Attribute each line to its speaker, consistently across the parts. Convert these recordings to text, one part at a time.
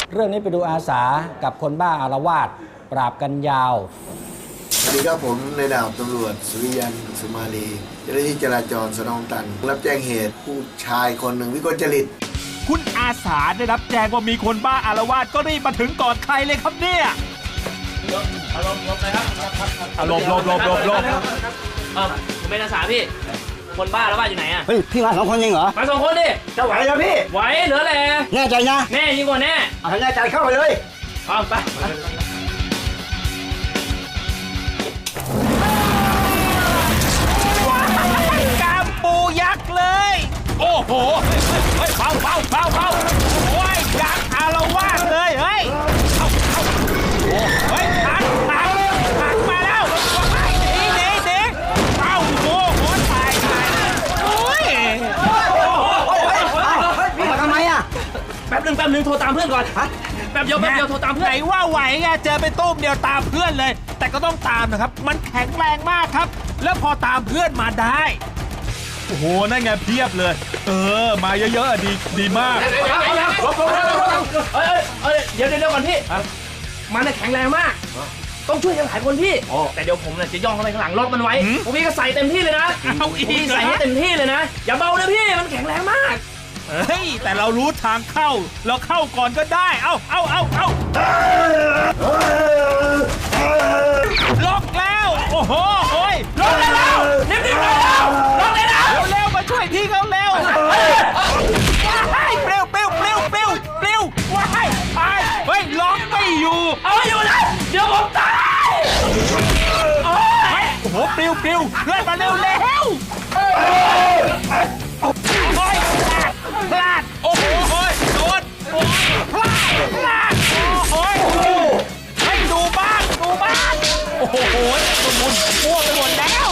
Speaker 1: เรื่องนี้ไปดูอาสากับคนบ้าอาละวาดปราบกันยาว
Speaker 2: สวัสดีครับผมในดาบตำรวจสุริยันสุมาลีเจ้าหน้าที่จราจรสนองตันรับแจ้งเหตุผู้ชายคนหนึ่งวิกลจริต
Speaker 3: คุณอาสาได้รับแจ้งว่ามีคนบ้าอาละวาดก็รีบมาถึงก่อนใครเลยครับเนี่ย
Speaker 4: อารมณ์ลบเลยครับ
Speaker 3: ลบ
Speaker 4: ผมเป็นอาสาพี่คนบ้าแล้วบ้าอยู่ไหนอ่ะ
Speaker 5: เฮ้ยพี่มา2 คนจริงเหรอ
Speaker 4: มา2 คนดิ
Speaker 5: จะไหวเหรอพี่
Speaker 4: ไหวเหลือแหละ
Speaker 5: แน่ใจนะ
Speaker 4: แน่ยิ่งกว่าแน่
Speaker 5: เอาแน่ใจเข้าไปเลย
Speaker 4: เอาไป
Speaker 3: กามปูยักษ์เลยโอ้โหเฮ้ยเบาโอ้ยยักษ์อาละวาดเลยเฮ้ยเฮ้ยหักมาแล้วหนีเอ้าโอ้โหตายโอ้ย
Speaker 5: พี่มาทำไมอ่ะ
Speaker 4: แป๊บนึงโทรตามเพื่อนก่อนแป๊บเดียวโทรตามเพื่อน
Speaker 3: ไหนว่าไหวไงเจอไปตุ้มเดียวตามเพื่อนเลยแต่ก็ต้องตามนะครับมันแข็งแรงมากครับแล้วพอตามเพื่อนมาได้โอ้โหนั่นไงเพียบเลยมาเยอะๆดีมาก
Speaker 4: เดี๋ยวก่อนพี่มันแข็งแรงมากต้องช่วยกันหลายคนพี่แต่เดี๋ยวผมจะย่องเข้าไปข้างหลังล็อกมันไว้พี่ก็ใส่เต็มที่เลยนะพี่ใส่ให้เต็มที่เลยนะอย่าเบานะพี่มันแข็งแรงมาก
Speaker 3: เฮ้ยแต่เรารู้ทางเข้าเราเข้าก่อนก็ได้เอาล็อกแล้วโอ้โห
Speaker 4: ล็อกแล้วนิ่มๆเลยแล้วล็อกเลยนะ
Speaker 3: เร็วมาช่วยพี่เขาเร็วว้ายเปรี้ยวว้ายเฮ้ยล็อกไม่อยู่
Speaker 4: เอาอยู่นะเดี๋ยวผมตาย
Speaker 3: โอ้โหปลิวเลื่อนมาเร็วพลาดโอ้โหโดนพลาดโอ้ให้ดูบ้างโอ้โหหมุนพวกไปหมดแล้ว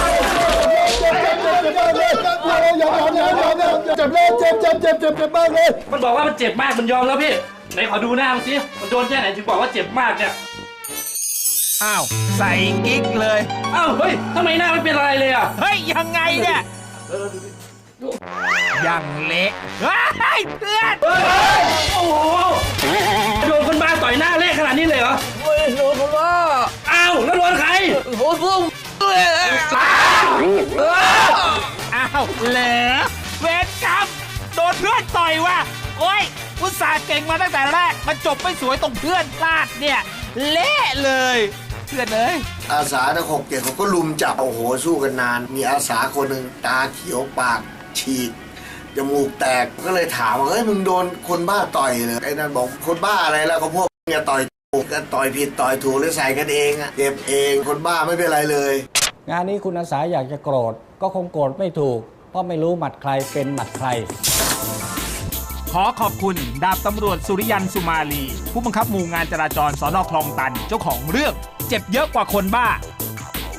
Speaker 2: เจ็บมากเลย
Speaker 4: มันบอกว่ามันเจ็บมากมันยอมแล้วพี่ไหนขอดูหน้ามันสิมันโดนแค่ไหนถึงบอกว่าเจ็บมากเนี่ย
Speaker 3: อ้าวใส่กิ๊กเลย
Speaker 4: อ้าวเฮ้ยทำไมหน้าไม่เป็นอะไรเลยอ่ะ
Speaker 3: เฮ้ยยังไงเนี่ยยังเละเฮ้ยเพื่อน
Speaker 4: โอ้โหโดนคนบ้าต่อยหน้าเละขนาดนี้เลยเหรอ
Speaker 5: โดนคนว่า
Speaker 4: อ้าวแล้วโดนใคร
Speaker 5: โดนพุ่ง
Speaker 3: อ้าวเหรอเวรกรรมโดนเพื่อนต่อยว่ะโอ้ยอุตส่าห์เก่งมาตั้งแต่แรกมันจบไม่สวยตรงเพื่อนพลาดเนี่ยเละเลยเพื่อนเอ้ย
Speaker 2: อาสาทั้ง6 เขาก็ลุมจับโอ้โหสู้กันนานมีอาสาคนหนึ่งตาเขียวปากฉีกจมูกแตกก็เลยถามว่าเฮ้ยมึงโดนคนบ้าต่อยเลยไอ้นั่นบอกคนบ้าอะไรแล้วก็พวกมึงต่อยถูกกันต่อยผิดต่อยถูกเลยใส่กันเองอะเจ็บเองคนบ้าไม่เป็นไรเลย
Speaker 1: งานนี้คุณอาสาอยากจะโกรธก็คงโกรธไม่ถูกเพราะไม่รู้หมัดใครเป็นหมัดใคร
Speaker 3: ขอขอบคุณดาบตำรวจสุริยันสุมาลีผู้บังคับหมู่งานจราจรสน.คลองตันเจ้าของเรื่องเจ็บเยอะกว่าคนบ้า